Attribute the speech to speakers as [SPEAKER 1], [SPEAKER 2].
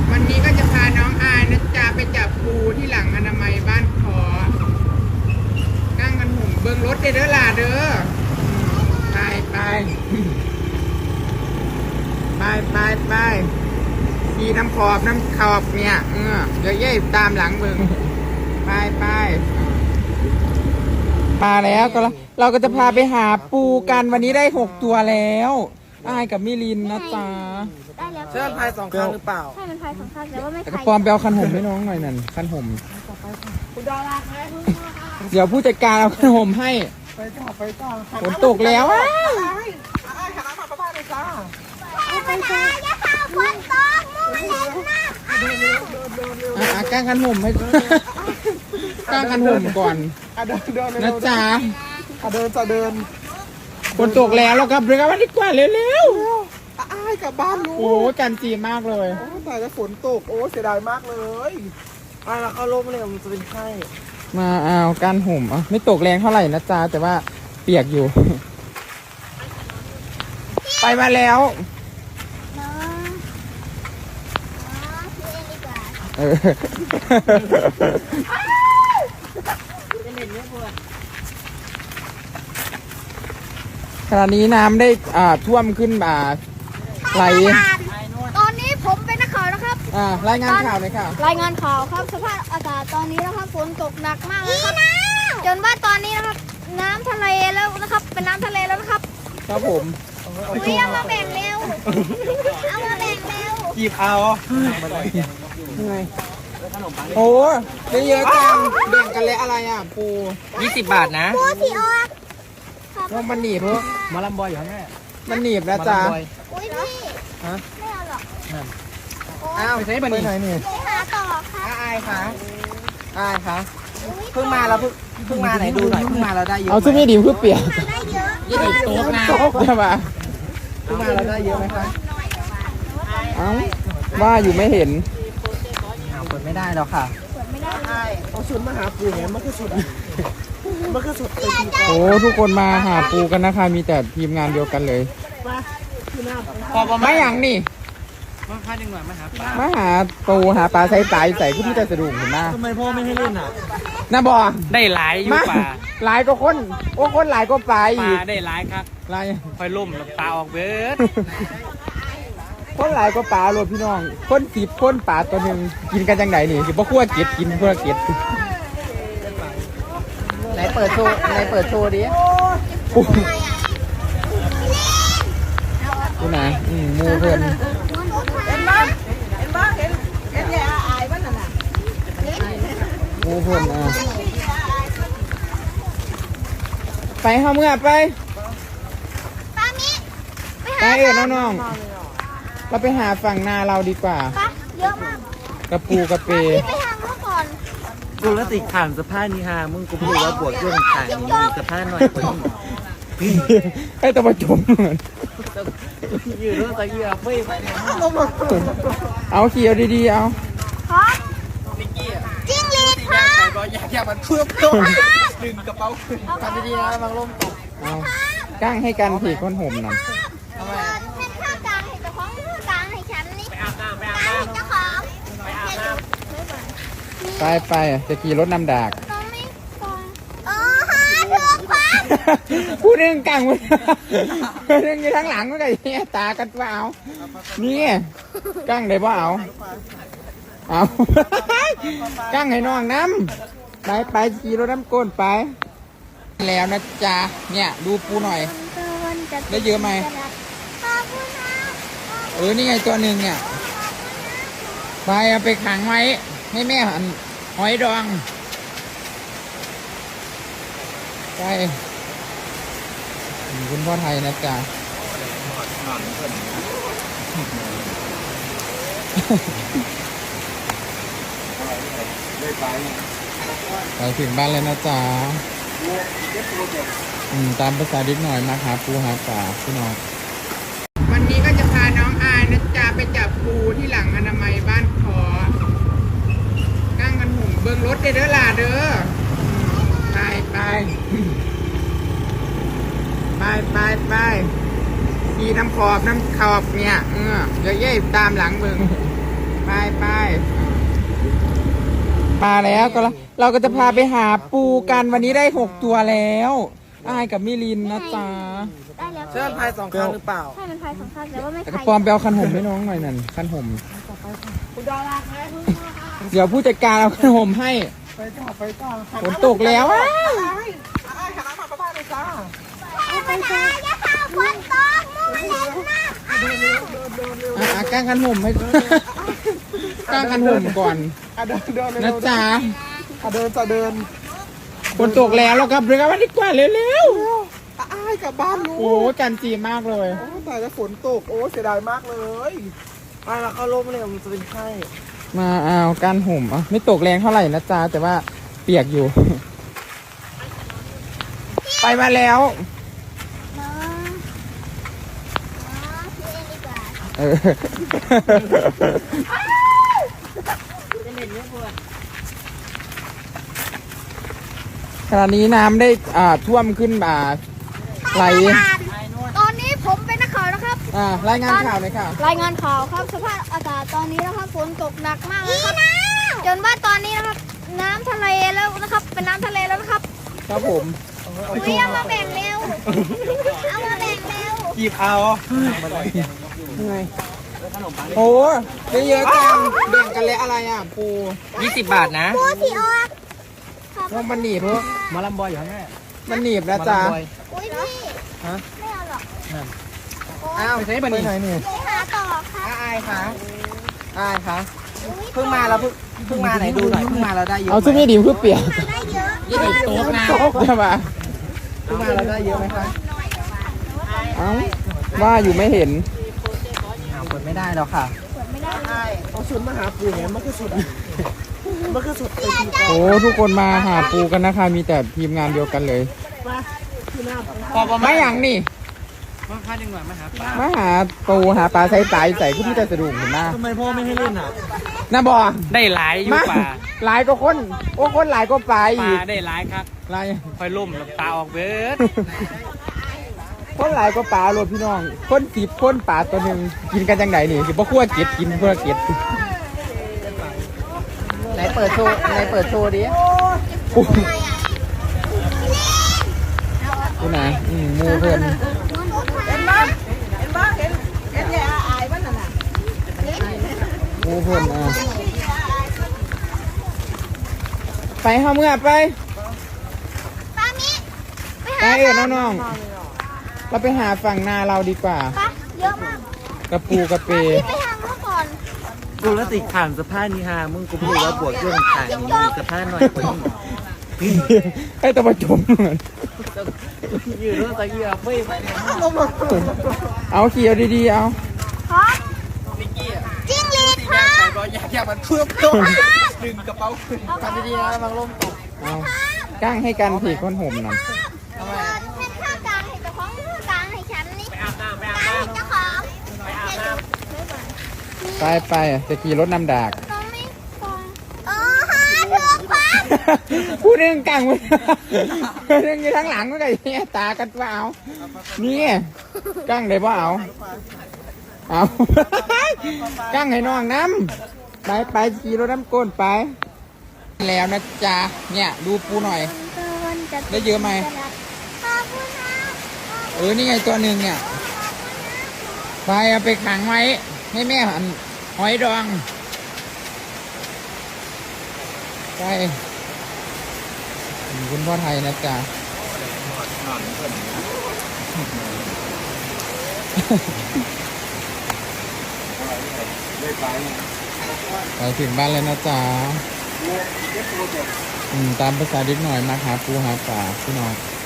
[SPEAKER 1] วันนี้ก็จะพาน้องอายนะจ๊ะไปจับปูที่หลังอนามัยบ้านขอนั่งกันหุ่มเบิ้งรถเด้อล่ะเด้อไปไปไปไปไปขี่น้ำขอบเนี่ยเดี๋ยวเย่ตามหลังมึงไปไปมาแล้วก็เราก็จะพาไปหาปูกันวันนี้ได้6 ตัวแล้วอายกับมิลินนะจ๊ะ
[SPEAKER 2] ได้แล้ว
[SPEAKER 3] เชื่อพาย2 ครั้งหรือเปล่า
[SPEAKER 2] ใช่มันพาย2 ครั้งแต่ว่าไม่พาย
[SPEAKER 1] ปอมไปเอาคันห่มให้น้องหน่อยนั่นคันห่ม
[SPEAKER 3] คุณดาราไหม
[SPEAKER 1] เดี๋ยวผู้จัดการเอาคันห่มให้
[SPEAKER 3] ไปจ้า
[SPEAKER 1] ฝนตกแล้ว
[SPEAKER 3] หาน้ำมาประพาสเลยจ้า
[SPEAKER 2] ไปจ้าอย่าพาฝนตกมูเล่นนะ
[SPEAKER 1] ก้างคันห่มให้ก้างคันห่มก่อนนะจ๊ะ
[SPEAKER 3] เดิน
[SPEAKER 1] ฝนตกแล้วเรากลับเรือกันดีกว่าเร็ว
[SPEAKER 3] กลับบ้านลูก
[SPEAKER 1] โอ้กันจีมากเลย
[SPEAKER 3] แต่จะฝนตกเสียดายมากเลยเราเข้าร่มเลยมันจะเป็นไข้
[SPEAKER 1] มาเอาก้านห่มไม่ตกแรงเท่าไหร่นะจ๊ะแต่ว่าเปียกอยู่ไปมาแล้วขณะนี้น้ำได้ท่วมขึ้นไหล
[SPEAKER 2] ตอนนี้ผมเป็นนักข่าวนะครับ
[SPEAKER 1] รายงานข่าวเลยค่ะ
[SPEAKER 2] รายงานข่าวครับสภาพอากาศตอนนี้นะครับฝนตกหนักมากนะครับจนว่าตอนนี้นะครับน้ำทะเลแล้วนะครับเป็นน้ำทะเลแล้วนะครับ
[SPEAKER 1] ครับผม
[SPEAKER 2] เอามาแบ่งเร็วเอามาแบ่งเร็ว
[SPEAKER 3] หยิบเอา
[SPEAKER 1] โอ้ได้เยอะจังแบ่งกันเลยอะไรปู
[SPEAKER 3] 20 บาทนะ
[SPEAKER 2] ปูสีออก
[SPEAKER 1] ว่ามันหนีบเพราะ
[SPEAKER 3] มาลำบอยอยู่แม่
[SPEAKER 1] มันหนีบนะจ๊ะ
[SPEAKER 2] อุ้ยพี่ไม่เอาหรอก
[SPEAKER 1] ไปไหนบ้างนี่
[SPEAKER 2] หาต่อค่ะ
[SPEAKER 3] อายค่ะเพิ่งมาแล้วเพิ่งมาไหนดูหน่อยเพิ่งมาเราได้เยอะ
[SPEAKER 1] เอาซึ่งไม่ดีเพื่อเปลี่ยน
[SPEAKER 2] ได้เยอะ
[SPEAKER 1] ยี่สิบโต๊ะนะใช่ปะ
[SPEAKER 3] เพิ่งมาเราได้เยอะไหมคะ
[SPEAKER 1] ว่าอยู่ไม่เห็น
[SPEAKER 3] เปิดไม่ได้แล้วค่ะ
[SPEAKER 2] ไม่ได้
[SPEAKER 3] เอาชุดมาหาปูเนี่ยมันคือชุด
[SPEAKER 1] โอ้ทุกคนมาหาปูกันนะคะมีแต่ทีมงานเดียวกันเลยไม่อย่างนี่มาหาปูหาปลาใส่ปลาใส่ขึ้นที่แต่สะดุ้งเห็นไหม
[SPEAKER 3] ทำไมพ่อไม่ให้เล่น
[SPEAKER 1] น่าบอก
[SPEAKER 4] ได้หลายอยู่ป่า
[SPEAKER 1] หลายก็คนคนหลายก็ปลาอีก
[SPEAKER 4] ได้หลายครับ
[SPEAKER 1] หลาย
[SPEAKER 4] คอยล่มปลาออกเบิด
[SPEAKER 1] คนหลายก็ปลาโลดพี่น้องคน10 คนปลาตัวหนึ่งกินกันจังไหนนี่สิบ่คั่วเก็ดกินคั่วเก็ด
[SPEAKER 3] ไหนเปิดโชว์ดิ
[SPEAKER 1] ดูนะมูเพิ่น
[SPEAKER 3] เห็นแย่อายบ้านนั่นน่ะ
[SPEAKER 1] มูเพิ่นไปเข้าเมื่อไปน้องเราไปหาฝั่งนาเราดีกว่า
[SPEAKER 2] เยอะมาก
[SPEAKER 1] กระปูกระเป
[SPEAKER 2] ไปทางเมื่อก่อน
[SPEAKER 3] กูแล้วติดข่างสะพานนี่ฮะมึงกูพูดว่าบวกเครื่องข่างนี่สะพานหน่อยคน
[SPEAKER 1] ให้ตัวประจม
[SPEAKER 3] ยืดรถตะเกียบไม่
[SPEAKER 1] เอาเขียวดีๆเอา
[SPEAKER 2] จิ้งหรีดค่ะ
[SPEAKER 3] อยากมันเพิ่มตัวดึงกระเป๋าทำดีๆนะบางลมตก
[SPEAKER 1] เอาก้างให้กันผีก้นห่มนั่น
[SPEAKER 2] ให้ข้าวกลางให้เจ้าของข้าวกลางให้ฉันนี่กลางให้เจ้าของ
[SPEAKER 1] ไปจะขี่รถนำดากผู้หนึ่งกลางผู้หนึ่งอยู่ทั้งหลังก็ได้เนี่ยตากันว่าเอานี่กลางได้ป่ะเอากลางให้น้องน้ำไปขี่รถน้ำก้นไปแล้วนะจ๊ะเนี่ยดูปูหน่อยได้เยอะไหมนี่ไงตัวหนึ่งเนี่ยไปเอาไปขังไว้ให้แม่หอยดองไปคุณพ่อไทยนะจ๊ะไปถึงบ้านเลยนะจ๊ะตามภาษาดิบหน่อยมาหาปูหาปลาพี่น้องวันนี้ก็จะพาน้องอายนะจ๊ะไปจับปูที่หลังอนามัยบ้านขอนั่งกันหุ่มเบิ้งรถเด้อล่ะเด้อไปขี่น้ำขอบเนี่ยเดี๋ยวเย่ตามหลังมึงไปมาแล้วก็เราก็จะพาไปหาปูกันวันนี้ได้6ตัวแล้วอายกับมิลินนะจ๊ะ
[SPEAKER 2] ได้แล้ว
[SPEAKER 3] เชื่อพาย2 ครั้งหรือเปล่า
[SPEAKER 2] ใช่มันพายสองข้างแต่ว่าไม่
[SPEAKER 1] แต่
[SPEAKER 2] พาย
[SPEAKER 1] กระปอมไปเอาคันห่มให้น้องหน่อยนั่นคันห่ม
[SPEAKER 3] คุณดอลลาร์ไง
[SPEAKER 1] เดี๋ยวผู้จัดการเอาคันห่มให้
[SPEAKER 3] ไปต่อ
[SPEAKER 1] ฝนตกแล้วอะ
[SPEAKER 3] หาน้ำมาประพาสเลยจ้า
[SPEAKER 2] ไปจ้าอย่าพาฝนตกมูเล่นนะ
[SPEAKER 1] กางคันห่มให้กางคันห่มก่อน
[SPEAKER 3] เดิน
[SPEAKER 1] นะจ๊ะ
[SPEAKER 3] เดิน
[SPEAKER 1] ฝนตกแล้วเรากลับเรือกันดีกว่าเร็ว
[SPEAKER 3] อ้ายกลับบ้านลู
[SPEAKER 1] ๆ
[SPEAKER 3] ก
[SPEAKER 1] โอ้จันจีมากเลย
[SPEAKER 3] โอ้แต่จะฝนตกโอ้เสียดายมากเลยไปแล้วเข้าร่มเลยมันจะเป็นไข้
[SPEAKER 1] มาเอาการห่มอ่ะไม่ตกแรงเท่าไหร่นะจ๊ะแต่ว่าเปียกอยู่ ไปมาแล้ว
[SPEAKER 2] น้องพี่เองดีกว่า
[SPEAKER 1] เออขณะนี้น้ำได้ท่วมขึ้นไหล
[SPEAKER 2] ตอนนี้ผมเป็นนักข่าวนะครับ
[SPEAKER 1] รายงานข่าวหน่อยค่ะ
[SPEAKER 2] รายงานข่าวครับสภาพอากาศตอนนี้นะครับฝนตกหนักมากนะครับจนว่าตอนนี้นะครับน้ำทะเลแล้วนะครับ เป็นน้ำทะเลแล้วนะครับ
[SPEAKER 1] ครับผม
[SPEAKER 2] อุ้ยเอามาแบ่งเร็วเอามาแบ่งเร็ว
[SPEAKER 3] หยิบเอา
[SPEAKER 1] โอ้ได้เยอะจังแบ่งกันแล้วอะไรอ่ะปู
[SPEAKER 4] 20 บาทนะ
[SPEAKER 2] ปูสีออก
[SPEAKER 1] พวกมันหนีบพวก
[SPEAKER 4] มาลำบอยอยู่แน่
[SPEAKER 1] มันหนีบนะจ๊ะ
[SPEAKER 2] อุ้ยพี่ไม่เอาหรอก
[SPEAKER 3] อ้าว
[SPEAKER 1] ไปไหนเนี่ย
[SPEAKER 2] ไปหาต่อครับ
[SPEAKER 3] อายคะเพิ่งมาแล้วเพิ่งมาไหนดูหน่อยเพิ่งมาเราได้เยอะ
[SPEAKER 1] เอาซึ่งไม่ดีเพื่อเปียก
[SPEAKER 2] ได้เยอะ
[SPEAKER 1] ยี่สิบโต๊ะนะโต๊ะใช่ปะ
[SPEAKER 3] เพิ่งมาเราได้เยอะไหมคะ
[SPEAKER 1] เอ้าว่าอยู่ไม่เห็น
[SPEAKER 3] อ้าวเปิดไม่ได้แล้วค่ะ
[SPEAKER 2] ไม่ได้
[SPEAKER 3] เอาชุดมาหาปูเนี่ยมันคือสุดมันคือสุด
[SPEAKER 1] โอ้ทุกคนมาหาปูกันนะคะ มีแต่ทีมงานเดียวกันเลย
[SPEAKER 4] พอประ
[SPEAKER 1] ไม่
[SPEAKER 4] มาณ
[SPEAKER 1] อย่างนี่
[SPEAKER 4] มาค่าหนึ่งหน่อยมาหาปลา
[SPEAKER 1] มาหาปูหาปลาใส่สายใส่ขึ้นที่แต่สะดุ้งเห็นไหม
[SPEAKER 3] ทำไมพ่อไม่ให้เล่นอ่ะ
[SPEAKER 1] น่าบอก
[SPEAKER 4] ได้หลายอยู่
[SPEAKER 1] มา
[SPEAKER 4] ป่า
[SPEAKER 1] หลายก็คนโอ้คนหลายก็ปลา
[SPEAKER 4] ป
[SPEAKER 1] อี
[SPEAKER 4] ลาก ได้หลายครับ
[SPEAKER 1] หลาย
[SPEAKER 4] คอยล่มแล้วปลาออกเบิด
[SPEAKER 1] คนหลายก็ปลาโลดพี่น้องคน10คนปลาตัวหนึ่งกินกันจังไหนนี่สิบ่คั่วเก็ดกินคั่วเก็ด
[SPEAKER 3] ไหนเปิดโชว์ดิ
[SPEAKER 1] ปูปูนะหมูเพิ่น
[SPEAKER 3] เห็นแย่อายบ้านน่ะ
[SPEAKER 1] หมูเพิ่นไปเข้าเมื่อไป
[SPEAKER 2] ปามิ
[SPEAKER 1] ไปน้องๆเราไปหาฝั่งนาเราดีกว่า
[SPEAKER 2] ปะเยอะมาก
[SPEAKER 1] กระปูกระเป
[SPEAKER 2] พี่ไปทางนู้นก่อน
[SPEAKER 3] กูแล้วติดขานสะพานนี่ฮะมึงกูพูดว่าบวกเครื่องขานนี่สะพานหน่อยกว่านี้
[SPEAKER 1] ให้ตัวประจม
[SPEAKER 3] ยืนรถตะเกียบไม่ไปเนี่ย
[SPEAKER 1] เอาเขียวดีๆเอา
[SPEAKER 2] พร้อมจิ้งหรีดพร้อม
[SPEAKER 3] อยากมันเพิ่มตัวดึงกระเป๋าขึ้นทำดีๆนะบางลมตก
[SPEAKER 1] เอาก้างให้กันผีก้นห่มนั่น
[SPEAKER 2] ให้ข้าวกลางให้เจ้าของข้าวกลางให้ฉันนี่กลางให้เจ้าของ
[SPEAKER 1] ไปจะขี่รถนำดาก
[SPEAKER 2] น้องไม่ตรงฮะเถือกฟ้า
[SPEAKER 1] ผู้หนึ่งกลางผู้หนึ่งอยู่ทางหลังก็ไงเนี่ยตากันว่าเอานี่ก้างเลยว่าเอาก้างให้น้องน้ำไปขี่รถน้ำก้นไปแล้วนะจ๊ะเนี่ยดูปูหน่อย ได้เยอะไหม
[SPEAKER 2] ขอบคุณนะ
[SPEAKER 1] นี่ไงตัวหนึ่งเนี่ยไปเอาไปขังไว้ให้แม่หอยดองไปคุณพ่อไทยนะจ๊ะไปถึงบ้านแล้วนะจ๊ะตามภาษาเด็กหน่อยมาหาปูหาปลาพี่น้อง